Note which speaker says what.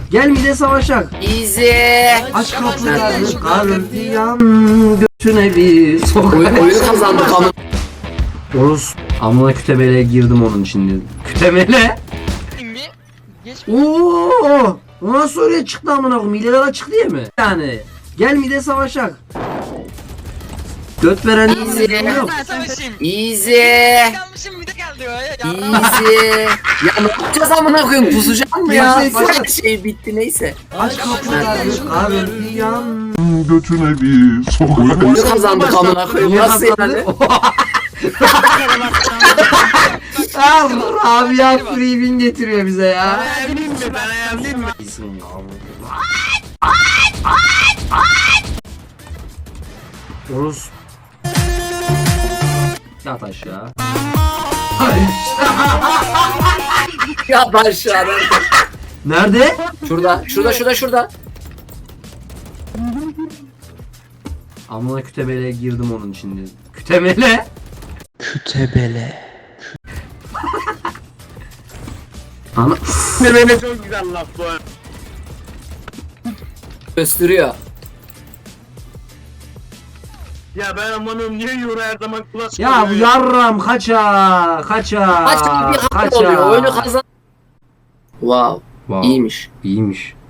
Speaker 1: Gel mide savaşak.
Speaker 2: Easy.
Speaker 1: Aç kapıları gardiyan götüne bir sok.
Speaker 2: Oyunu kazandık ama.
Speaker 1: Oruz amına kütemele girdim onun için dedim. Kütemele?
Speaker 3: mi? Geç.
Speaker 1: Oo! O nasıl oraya çıktı amına koyayım? Hileler açık diye mi? Yani gel mide savaşak. Göt veren
Speaker 2: Easy.
Speaker 1: yok.
Speaker 3: Ben savaşayım.
Speaker 2: Easy.
Speaker 3: Kalmışım bir de geldi ya.
Speaker 2: Easy. Ya ne yapacağız amına koyayım? Pusacağım mı ya?
Speaker 1: Neyse,
Speaker 2: Başka şey bitti neyse.
Speaker 1: Aç kapıları gardiyan
Speaker 4: götüne bir sok.
Speaker 2: Oyunu kazandık amına koyayım. Nasıl yani?
Speaker 1: Rabia free win getiriyor bize ya.
Speaker 3: Ayarlayayım mı? Ben ayarlayayım mı?
Speaker 1: Oruz. Yat aşağı.
Speaker 2: Ya ben şu an.
Speaker 1: Nerede?
Speaker 2: Şurada.
Speaker 1: Amına kütemele girdim onun için dedim. Kütemele?
Speaker 5: Kütebele.
Speaker 1: Ana
Speaker 6: Böyle çok güzel laf bu.
Speaker 2: Gösteriyor.
Speaker 6: Ya ben amanım niye Euro her zaman kulaç
Speaker 1: ya bu yarram kaça
Speaker 2: Kaç gibi bir hakkım oluyor. Oyunu kazan. Wow.
Speaker 1: Wow.
Speaker 2: İyiymiş.
Speaker 1: İyiymiş.